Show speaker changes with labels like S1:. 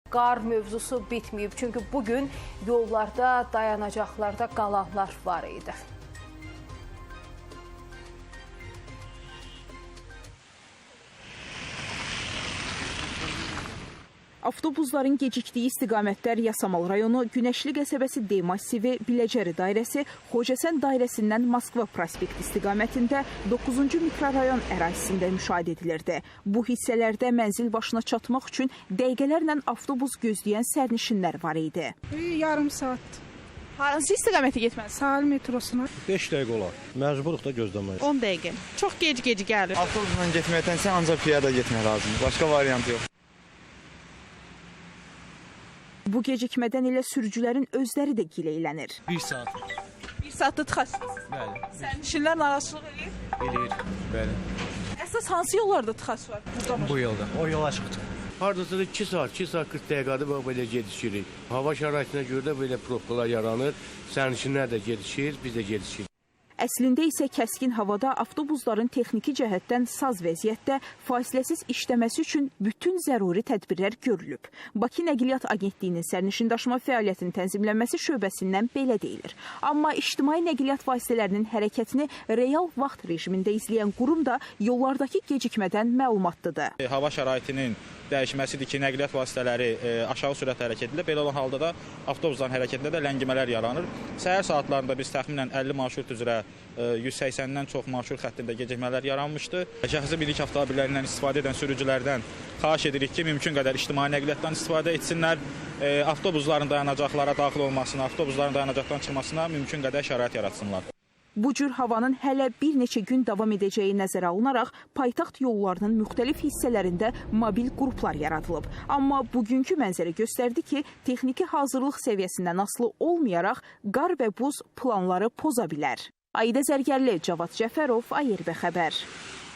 S1: Qar mövzusu bitməyib, çünki bugün yollarda, dayanacaqlarda qalanlar var idi.
S2: Avtobusların gecikdiyi istiqamətlər Yasamal rayonu, Günəşli qəsəbəsi D massivi, Biləcəri dairəsi, Xocəsən dairəsindən Moskva prospekt istiqamətində 9-cu mikrorayon ərazisində müşahidə edilirdi. Bu hissələrdə mənzil başına çatmaq üçün dəqiqələrlə avtobus gözləyən sərnişinlər var idi.
S3: Yarım saat.
S4: Hansı istiqamətə getməlisiniz?
S3: Sahil metrosuna.
S5: 5 dəqiqə olar. Məcburuq da gözləməyə.
S4: 10 dəqiqə. Çox gec gəlir.
S6: Avtobusla getməkdənsə ancaq piyada getmək lazımdır. Başqa variant yox.
S2: Bu gecikmədən elə sürücülərin özləri də gileylənir.
S5: 1 saat.
S4: 1 saatda tıxacsınız.
S5: Bəli.
S4: Sərnişinlər narazılıq edir.
S5: Bilir. Bəli.
S4: Əsas hansı yollarda tıxac var?
S5: Bu yolda. O yola çıxdı.
S7: Hardasa da 2 saat 40 dəqiqədə belə gedişirik. Hava şəraitinə görə də belə probkalar yaranır. Sərnişinlər də gedişir, biz də gedişirik.
S2: Əslində isə kəskin havada avtobusların texniki cəhətdən saz vəziyyətdə fasiləsiz işləməsi üçün bütün zəruri tədbirlər görülüb. Bakı Nəqliyyat Agentliyinin sərnişindaşıma fəaliyyətinin tənzimlənməsi şöbəsindən belə deyilir. Amma ictimai nəqliyyat vasitələrinin hərəkətini real vaxt rejimində izləyən qurum da yollardakı gecikmədən məlumatlıdır.
S8: Hava şəraitinin dəyişməsidir ki, nəqliyyat vasitələri aşağı sürətlə hərəkət edilir. Belə olan halda da avtobusların hərəkətində də ləngimələr yaranır. Səhər saatlarında biz təxminən 50 marşrut üzrə 180-dən çox marşrut xəttində gecikmələr yaranmışdı. Şəxsi bilik avtomobillərindən istifadə edən sürücülərdən xahiş edirik ki, mümkün qədər ictimai nəqliyyatdan istifadə etsinlər. Avtobusların dayanacaqlara daxil olmasına, avtobusların dayanacaqdan çıxmasına mümkün qədər şərait yaratsınlar.
S2: Bu cür havanın hələ bir neçə gün davam edəcəyi nəzərə alınaraq paytaxt yollarının müxtəlif hissələrində mobil qruplar yaradılıb. Amma bugünkü mənzərə göstərdi ki, texniki hazırlıq səviyyəsindən asılı olmayaraq qar və buz planları poza bilər. Aida Zərgərli, Cavad Cəfərov, ARB xəbər.